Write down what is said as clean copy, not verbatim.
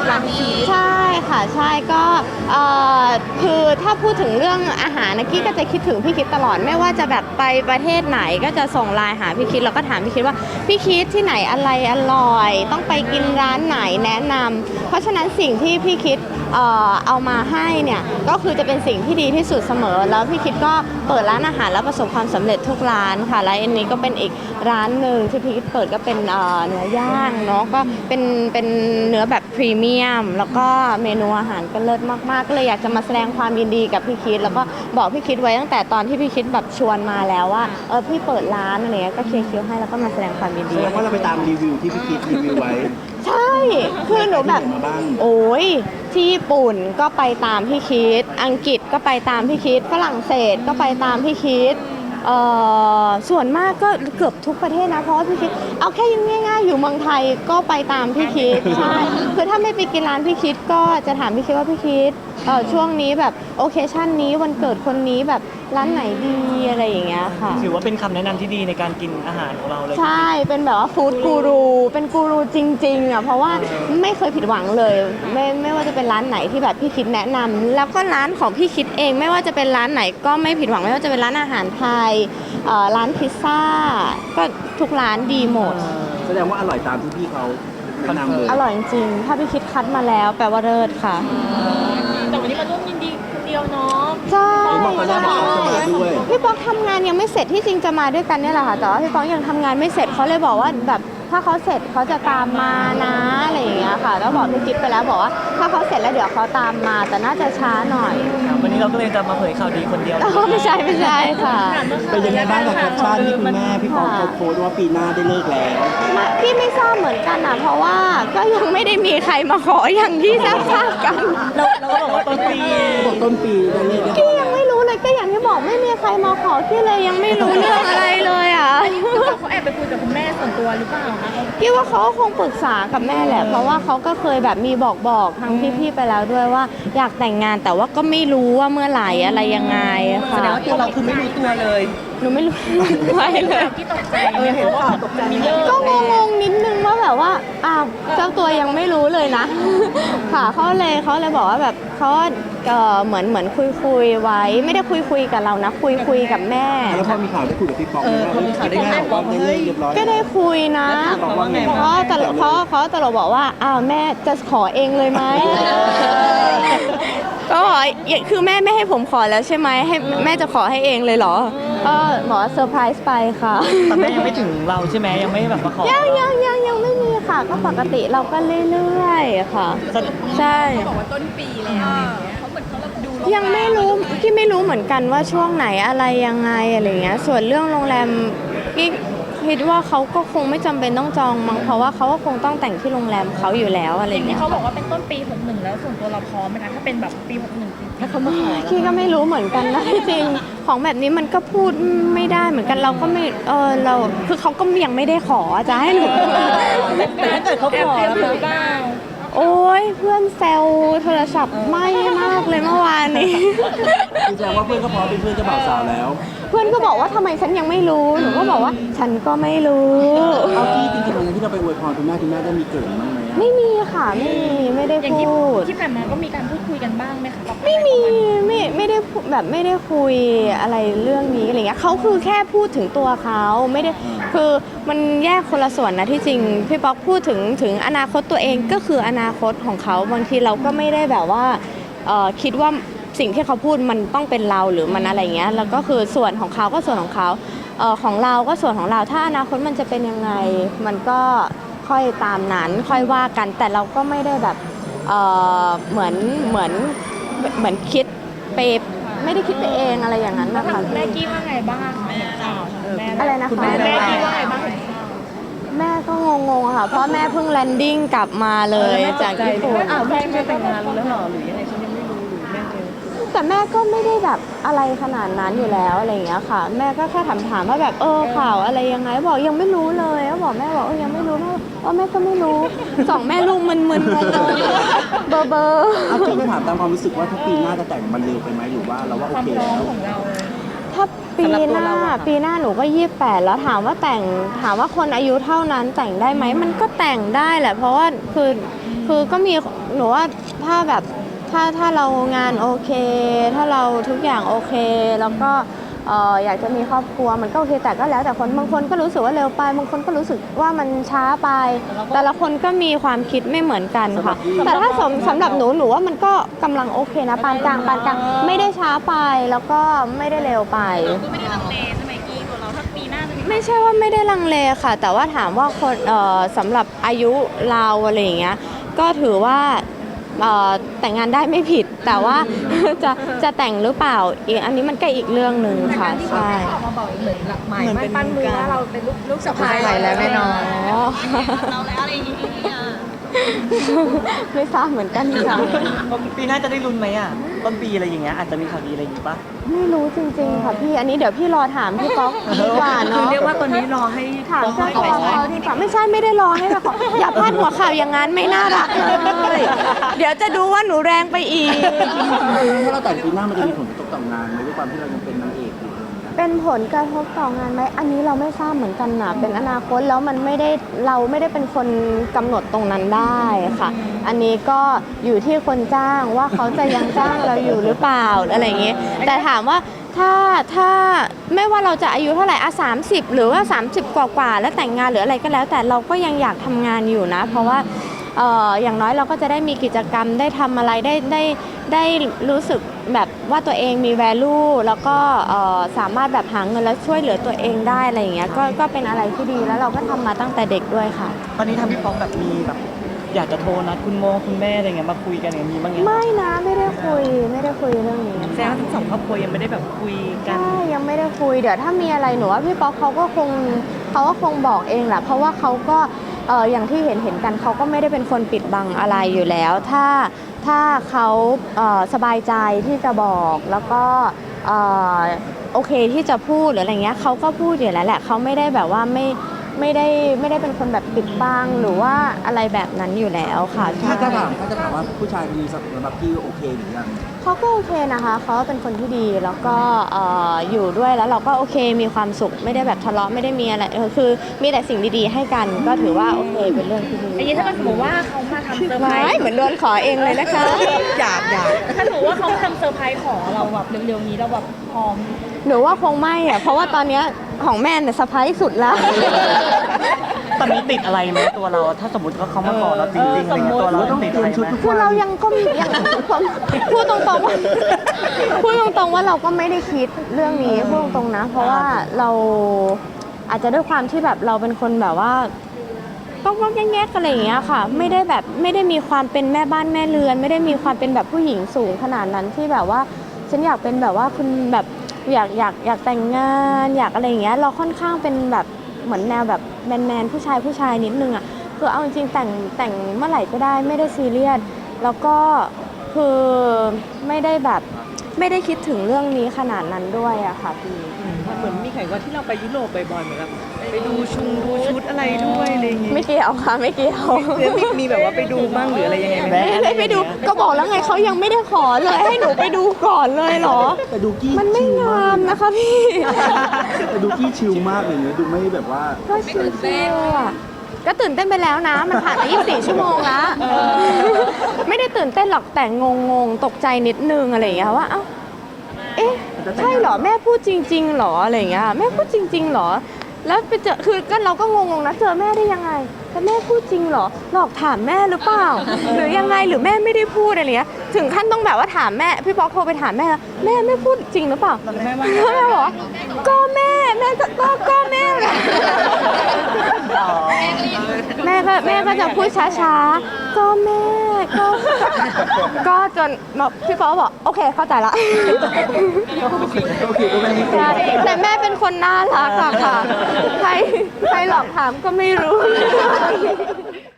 ร้านพี่ใช่ค่ะใช่ก็คือถ้าพูดถึงเรื่องอาหารนะกี้ก็จะคิดถึงพี่คิดตลอดไม่ว่าจะแบบไปประเทศไหนก็จะส่งไลน์หาพี่คิดแล้วก็ถามพี่คิดว่าพี่คิดที่ไหนอะไรอร่อยต้องไปกินร้านไหนแนะนำเพราะฉะนั้นสิ่งที่พี่คิดเอามาให้เนี่ยก็คือจะเป็นสิ่งที่ดีที่สุดเสมอแล้วพี่คิดก็เปิดร้านอาหารแล้วประสบความสำเร็จทุกร้านค่ะและอันนี้ก็เป็นอีกร้านหนึ่งที่พี่คิดเปิดก็เป็นเนื้อย่างเนาะก็เป็นเนื้อแบบพรีเมียมแล้วก็เมนูอาหารก็เลิศมากๆก็เลยอยากจะมาแสดงความยินดีกับพี่คิดแล้วก็บอกพี่คิดไว้ตั้งแต่ตอนที่พี่คิดแบบชวนมาแล้วว่าพี่เปิดร้านอะไรเงี้ยก็เคลียร์คิวให้แล้วก็มาแสดงความยินดีแสดงว่าเราไปตามรีวิวที่พี่คิดรีวิวไว้ใช่คือหนูแบบโอ้ยที่ญี่ปุ่นก็ไปตามพี่คิดอังกฤษก็ไปตามพี่คิดฝรั่งเศสก็ไปตามพี่คิดส่วนมากก็เกือบทุกประเทศนะเพราะว่าพี่คิดเอาแค่ง่ายๆอยู่เมืองไทยก็ไปตามพี่คิดใช่คือถ้าไม่ไปกินร้านพี่คิดก็จะถามพี่คิดว่าพี่คิดช่วงนี้แบบโอเคชั่นนี้วันเกิดคนนี้แบบร้านไหนดีอะไรอย่างเงี้ยค่ะถือว่าเป็นคำแนะนำที่ดีในการกินอาหารของเราเลยใช่เป็นแบบว่าฟู้ดกูรูเป็นกูรูจริงๆอ่ะเพราะว่าไม่เคยผิดหวังเลยไม่ว่าจะเป็นร้านไหนที่แบบพี่คิดแนะนำแล้วก็ร้านของพี่คิดเองไม่ว่าจะเป็นร้านไหนก็ไม่ผิดหวังไม่ว่าจะเป็นร้านอาหารไทยร้านพิซซ่าก็ทุกร้านดีหมดแสดงว่าอร่อยตามที่พี่เขาแนะนำเลยอร่อยจริงๆถ้าพี่คิดคัดมาแล้วแปลว่าเลิศค่ะแต่วันนี้มาร่วมยินดีคนเดียวเนาะใช่ด้วยพี่ป๊อกทำงานยังไม่เสร็จที่จริงจะมาด้วยกันเนี่ยแหละค่ะแต่ว่าพี่ป๊อกยังทำงานไม่เสร็จเขาเลยบอกว่าแบบถ้าเขาเสร็จเขาจะตามมานะอะไรอย่างเงี้ยค่ะแล้วบอกพี่จิ๊บไปแล้วบอกว่าถ้าเขาเสร็จแล้วเดี๋ยวเขาตามมาแต่น่าจะช้าหน่อยวันนี้เราก็เลยจะมาเผยข่าวดีคนเดียวไม่ใช่ค่ะเป็นยังไงบ้างกับแคปชั่นที่คุณแม่พี่ป๊อกเขาโพสต์ว่าปีหน้าได้เลิกแล้วพี่ไม่ทราบเหมือนกันนะเพราะว่าก็ยังไม่ได้มีใครมาขออย่างที่ทราบกันเราก็บอกว่าต้นปีบอกต้นปีได้เลิกกี้ยังไม่รู้เลยก็อย่างที่บอกไม่มีใครมาขอกี้เลยยังไม่รู้เรื่องอะไรเลยอ่ะเขาแอบไปคุยกับคุณแม่ส่วนตัวหรือเปล่าคะกี้ว่าเขาคงปรึกษากับแม่แหละเพราะว่าเขาก็เคยแบบมีบอกทางพี่ๆไปแล้วด้วยว่าอยากแต่งงานแต่ว่าก็ไม่รู้ว่าเมื่อไหร่อะไรยังไงค่ะแสดงว่าตัวเราคือไม่รู้ตัวเลยหนูไม่รู้อะไรเลยที่ตกใจเห็นข่าวตกใจก็งงนิดนึงว่าแบบว่าเจ้าตัวยังไม่รู้เลยนะค่ะเขาเลยบอกว่าแบบเขาเหมือนคุยไว้ไม่ได้คุยกับเรานะคุยกับแม่แล้วพอมีข่าวได้คุยกับพี่ป๊อกพอมีข่าวได้แม่บอกว่าได้เลิกเรียบร้อยก็ได้คุยนะเพราะตลกบอกว่าแม่จะขอเองเลยไหมก็คือแม่ไม่ให้ผมขอแล้วใช่ไหมให้แม่จะขอให้เองเลยเหรอก็บอกเซอร์ไพรส์ไปค่ะแต่แม่ยังไม่ถึงเราใช่ไหมยังไม่แบบมาขอยังไม่มีค่ะก็ปกติเราก็เรื่อยๆค่ะใช่บอกว่าต้นปีแล้วเขาเหมือนเขาดูยังไม่รู้ที่ไม่รู้เหมือนกันว่าช่วงไหนอะไรยังไงอะไรเงี้ยส่วนเรื่องโรงแรมพี่คิดว่าเขาก็คงไม่จำเป็นต้องจองมั้งเพราะว่าเขาก็คงต้องแต่งที่โรงแรมเขาอยู่แล้วอะไรเงี้ยเขาบอกว่าเป็นต้นปี61แล้วส่วนตัวเราพร้อมไหมคะถ้าเป็นแบบปี61 ถ้าเขามาขอพี่ก็ไม่รู้เหมือนกันนะจริงของแบบนี้มันก็พูดไม่ได้เหมือนกันเราก็ไม่เราคือเขาก็ยังไม่ได้ขอจะให้หนูแต่ถ้าเกิดเขาขอแล้วบ้างโอ้ยเพื่อนแซวโทรศัพท์ไหม้มากเลยเมื่อวานนี้แสดงว่าเพื่อนก็พร้อมเป็นเพื่อนเจ้าบ่าวสาวแล้วเพื่อนก็บอกว่าทำไมฉันยังไม่รู้หนูก็บอกว่าฉันก็ไม่รู้เอาที่จริงๆวันที่เราไปอวยพรคุณแม่ได้มีเกิดบ้างไหมไม่มีค่ะไม่ได้พูดที่ผ่านมาก็มีการพูดคุยกันบ้างไหมคะไม่มีไม่ได้แบบไม่ได้คุยอะไรเรื่องนี้อะไรเงี้ยเขาคือแค่พูดถึงตัวเขาไม่ได้คือมันแยกคนละส่วนนะที่จริงพี่ป๊อกพูดถึงอนาคตตัวเองก็คืออนาคตของเขาบางทีเราก็ไม่ได้แบบว่าคิดว่าสิ่งที่เขาพูดมันต้องเป็นเราหรือมันอะไรเงี้ยแล้วก็คือส่วนของเขาก็ส่วนของเขาของเราก็ส่วนของเราถ้าอนาคตมันจะเป็นยังไงมันก็ค่อยตามนั้นค่อยว่ากันแต่เราก็ไม่ได้แบบเหมือนคิดไปไม่ได้คิดไปเองอะไรอย่างนั้นนะคะแม่กี้ว่าไงบ้างอะไรนะคะแม่กี้ว่าไงบ้างแม่ก็งงๆค่ะเพราะแม่เพิ่งแลนดิ้งกลับมาเลยจากญี่ปุ่นแม่จะแต่งงานแล้วหรอหรือยังไงฉันยังไม่รู้หรือแม่แต่แม่ก็ไม่ได้แบบอะไรขนาดนั้นอยู่แล้วอะไรอย่างเงี้ยค่ะแม่ก็แค่ถามว่าแบบข่าวอะไรยังไงบอกยังไม่รู้เลยก็บอกแม่บอกยังไม่รู้แม่ก็ไม่รู้สองแม่ลูกมึนงงเบอร์เอาที่ถามตามความรู้สึกว่าถ้าปีหน้าจะแต่งมันเร็วไปไหมหรือว่าเราว่าโอเคแล้วถ้าปีหน้าหนูก็28แล้วถามว่าคนอายุเท่านั้นแต่งได้ไหมมันก็แต่งได้แหละเพราะว่าคือคือก็มีหนูว่าถ้าแบบถ้าเรางานโอเค ถ้าเราทุกอย่างโอเค แล้วก็อยากจะมีครอบครัวมันก็โอเคแต่ก็แล้วแต่คนบางคนก็รู้สึกว่าเร็วไปบางคนก็รู้สึกว่ามันช้าไป แต่ละคนก็มีความคิดไม่เหมือนกันค่ะ แต่ถ้าสำหรับหนูว่ามันก็กำลังโอเคนะปานกลางไม่ได้ช้าไปแล้วก็ไม่ได้เร็วไปก็ไม่ได้ลังเลใช่ไหมกี้ตัวเราถ้าปีหน้าจะมีไม่ใช่ว่าไม่ได้ลังเลค่ะ แต่ว่าถามว่าคนสำหรับอายุเราอะไรอย่างเงี้ยก็ถือว่าแต่งงานได้ไม่ผิด แต่ว่า จะแต่งหรือเปล่าอีกอันนี้มันก็อีกเรื่องหนึ่งค่ะใช่ออกมาบอกเหมือนหลักหมายเหมือนมั่เป็น นปั้นมือว่าเราเป็นลูกสะใภ้ใช่แล้วแน่นอนอ๋อเราแล้วอะไรอย่างเงี้ยไม่ทราบเหมือนกันค่ะปีหน้าจะได้ลุ้นไหมอ่ะต้นปีอะไรอย่างเงี้ยอาจจะมีข่าวดีอะไรอย่างงี้ปะไม่รู้จริงๆค่ะพี่อันนี้เดี๋ยวพี่รอถามพี่ป๊อกดีกว่าคือเนาะเรียกว่าตอนนี้รอให้ถามต้องเจ้าให้ตัวไปเขาดีกว่าไม่ใช่ไม่ได้รอให้มาขออย่าพลาดหัวข่าวอย่างนั้นไม่น่ารักเลยเดี๋ยวจะดูว่าหนูแรงไปอีกถ้าเราแต่งปีหน้ามันจะมีผลกระทบต่องานไหมด้วยความที่เรายังเป็นนางเอกอยู่เป็นผลกระทบต่องานไหมอันนี้เราไม่ทราบเหมือนกันนะเป็นอนาคตแล้วมันไม่ได้เราไม่ได้เป็นคนกำหนดตรงนั้นได้ค่ะ อันนี้ก็อยู่ที่คนจ้างว่าเขาจะยังจ้างเราอยู่หรือเปล่าอะไรอย่างเงี้ยแต่ถามว่าถ้าไม่ว่าเราจะอายุเท่าไหร่30 หรือว่า 30 กว่าแล้วแต่งงานหรืออะไรก็แล้ว แต่เราก็ยังอยากทำงานอยู่นะ เพราะว่าอย่างน้อยเราก็จะได้มีกิจกรรมได้ทำอะไรได้รู้สึกแบบว่าตัวเองมี value แล้วก็สามารถแบบหาเงินแล้วช่วยเหลือตัวเองได้อะไรอย่างเงี้ยก็เป็นอะไรที่ดีแล้วเราก็ทำมาตั้งแต่เด็กด้วยค่ะตอนนี้ทางพี่ป๊อกแบบมีแบบอยากจะโทรนัดคุณแม่อะไรเงี้ยมาคุยกันอย่างนี้บ้างยังไม่นะไม่ได้คุยเรื่องนี้แสดงว่าทั้งสองครอบครัวยังไม่ได้แบบคุยกันใช่ยังไม่ได้คุยเดี๋ยวถ้ามีอะไรหนูว่าพี่ป๊อกเขาก็คงบอกเองแหละเพราะว่าเขาก็อย่างที่เห็นกันเขาก็ไม่ได้เป็นคนปิดบังอะไรอยู่แล้ว ถ้าเขาสบายใจที่จะบอกแล้วก็โอเคที่จะพูดหรืออะไรเงี้ยเขาก็พูดอยู่แล้วแหละเขาไม่ได้แบบว่าไม่ได้เป็นคนแบบปิดบังหรือว่าอะไรแบบนั้นอยู่แล้วค่ะใช่ถ้าจะถามว่าผู้ชายคนนี้สำหรับพี่โอเคหรือยังเขาก็โอเคนะคะเขาเป็นคนที่ดีแล้วก็อยู่ด้วยแล้วเราก็โอเคมีความสุขไม่ได้แบบทะเลาะไม่ได้มีอะไรคือมีแต่สิ่งดีๆให้กันก็ถือว่าโอเคเป็นเรื่องที่ดีอย่างนี้ถ้าสมมติว่าเขามาทำเซอร์ไพรไม่ส์เหมือนโดนขอเองเลยนะคะอยากถ้าสมมติว่าเขามาทำเซอร์ไพรส์ขอเราแบบเร็วๆนี้เราแบบพร้อมหนูว่าคงไม่อะเพราะว่าตอนเนี้ยของแม่เนี่ยเซอร์ไพรส์สุดแล้วตอนนี้ติดอะไรไหมตัวเรา ถ้าสมมติว่าเขามาขอเราจริงๆอะไรเงี้ยตัวเราติดอะไรไหมคือเรายังพูดตรงๆว่าพูดตรงๆว่าเราก็ไม่ได้คิดเรื่องนี้พูดตรงๆนะ เพราะว่าเราอาจจะด้วยความที่แบบเราเป็นคนแบบว่าก็แง่ๆอะไรอย่างเงี้ยค่ะ ไม่ได้มีความเป็นแม่บ้านแม่เรือน ไม่ได้มีความเป็นแบบผู้หญิงสูงขนาดนั้นที่แบบว่าฉันอยากเป็นแบบว่าคุณแบบอยากแต่งงานอยากอะไรอย่างเงี้ยเราค่อนข้างเป็นแบบเหมือนแนวแบบแมนผู้ชายนิดนึงอ่ะคือเอาจริงๆแต่งเมื่อไหร่ก็ได้ไม่ได้ซีเรียสแล้วก็คือไม่ได้คิดถึงเรื่องนี้ขนาดนั้นด้วยอะค่ะพี่เหมือนมีแข่งว่าที่เราไปยุโรปบ่อยๆเหมือนแบบไปดูชุดอะไรด้วยอะไรอย่างงี้ไม่เกี่ยวค่ะไม่เกี่ยวหรือมีแบบว่าไปดูบ้างหรืออะไรยังไงไหมไม่ได้ไปดูก็บอกแล้วไงเขายังไม่ได้ขอเลยให้หนูไปดูก่อนเลยเหรอแต่ดูกี้มันไม่ชิลงามนะคะพี่แต่ดูกี้ชิลมากเลยเนี่ยดูไม่แบบว่าก็ชิลๆอ่ะก็ตื่นเต้นไปแล้วนะ มันผ่านมา24 ชั่วโมงแล้วไม่ได้ตื่นเต้นหรอกแต่งงตกใจนิดนึงอะไรอย่างเงี้ยว่าเอ้าเอ๊ะใช่เหรอแม่พูดจริงๆเหรออะไรอย่างเงี้ยแม่พูดจริงๆเหรอแล้วไปเจอคือก็เราก็งงๆนะเจอแม่ได้ยังไงแต่แม่พูดจริงเหรอหลอกถามแม่หรือเปล่า หรือยังไงหรือแม่ไม่ได้พูดอะไรเงี้ยถึงขั้นต้องแบบว่าถามแม่พี่ป๊อกโทรไปถามแม่ไม่พูดจริงหรือเปล่าแม่บอกว่าก็แม่ก็แม่แม่ก็จะพูดช้าๆก็แม่ก็จนพี่ป๊อกบอกโอเคเข้าใจละโอเคก็ไม่ได้ใช่แต่แม่เป็นคนน่ารักอะค่ะใครหลอกถามก็ไม่รู้